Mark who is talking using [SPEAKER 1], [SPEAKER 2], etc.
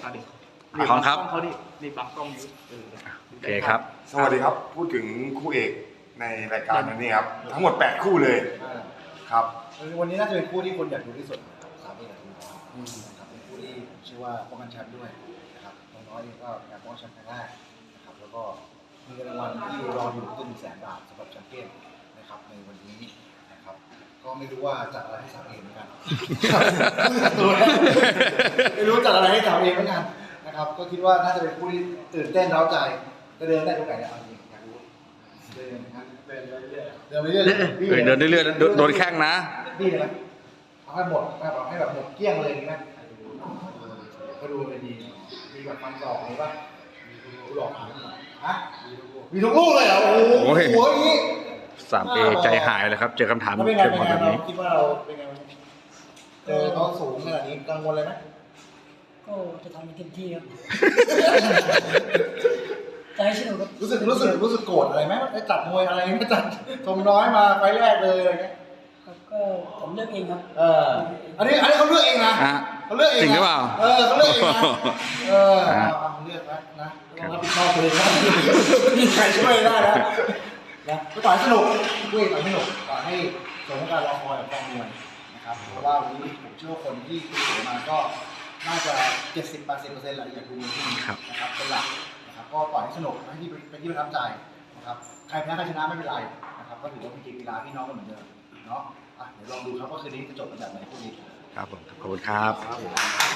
[SPEAKER 1] ดิ
[SPEAKER 2] ของครับ
[SPEAKER 1] เขาดิรีบบังกล้องอยู่
[SPEAKER 2] โอเคครับ
[SPEAKER 3] สวัสดีครับ พูดถึงคู่เอกในรายการวันนี้ครับ ทั้งหมด 8 คู่เลยครับ
[SPEAKER 4] วันนี้น่าจะเป็นคู่ที่คนอยากดูที่สุดสามเอกกับทีมนะครับเป็นคู่ที่ผมเชื่อว่าป้องกันแชมป์ด้วยนะครับน้อยๆเองก็อยากป้องกันแชมป์ครั้งแรกนะครับแล้วก็มีเงินรางวัลที่รออยู่คือ100,000 บาทสำหรับแชมเปี้ยนนะครับในวันนี้นะครับก็ไม่รู้ว่าจัดอะไรให้สามเอกเหมือนกัน ไม่รู้จัดอะไรให้สามเอกเหมือนกันนะครับก็คิดว่าน่าจะเป็นคู่ที่ตื่นเต้นเร้าใจจะเดินได้ตรงไหนเนี่ยเอาจริงอยากรู้เดินนะครับเดินไปเรื่อยๆเดินไปเรื่อย
[SPEAKER 2] เดินเรื่อยๆโดนแข้งนะ
[SPEAKER 4] ดีเลยไหมเอาให้หมดเอาให้แบบหมดเกลี้ยงเลยดีไหมก็ดูเลยดีมีแบบฟันศอกหรือว่าดูหลอกฮะมีทุกลูกเลยเหรอโอ้โหอย่างนี้
[SPEAKER 2] 3A ใจหายเลยครับ เจอคำถาม
[SPEAKER 4] แล้วเป็นไง
[SPEAKER 2] เชิง
[SPEAKER 4] เป็น
[SPEAKER 2] คน
[SPEAKER 4] ไง
[SPEAKER 2] แบบ
[SPEAKER 4] เรา
[SPEAKER 2] นี้
[SPEAKER 4] คิดว่าเราเป็นไงเจอเขาสูงขนาดนี้กังวลเลยไหม
[SPEAKER 5] ก็จะทำให้เต็มที่ครับ จะให้สนุกครับ
[SPEAKER 4] รู้สึกโกรธอะไรไหมไอ้จัดมวยอะไรไม่จัดชมน้อยมาไฟแรกเลยอะไรเงี้ย
[SPEAKER 5] ครับก็ผมเลือกเองครับ
[SPEAKER 4] อันนี้เขาเลือกเองนะ
[SPEAKER 2] อ่ะ
[SPEAKER 4] เขาเลือกเอง
[SPEAKER 2] จริงหรือเปล่า
[SPEAKER 4] เขาเลือกเองนะเอาเลือกนะต้องรับผิดชอบตัวเองนะมีใครช่วยได้แล้วนะก็ต่อยสนุกคุยต่อยสนุกต่อให้สมการรอคอยกับกองมวยนะครับเพราะว่าวันนี้ผมเชื่อว่าคนที่คุยมาก็น่าจะ 70-80% แหละอยากดูมวยที่นี่นะครับเป็นหลักนะครับก็ต่อยให้สนุกให้ที่เป็นที่ประทับใจนะครับใครแพ้ใครชนะไม่เป็นไรนะครับก็ถือว่าเป็นเกมกีฬาพี่น้องกันเหมือนเดิมเนาะเดี๋ยวลองดูครับว่าคืนนี้จะจบกันแบบไหนคู่นี้
[SPEAKER 2] ครับผม ขอบคุณครับ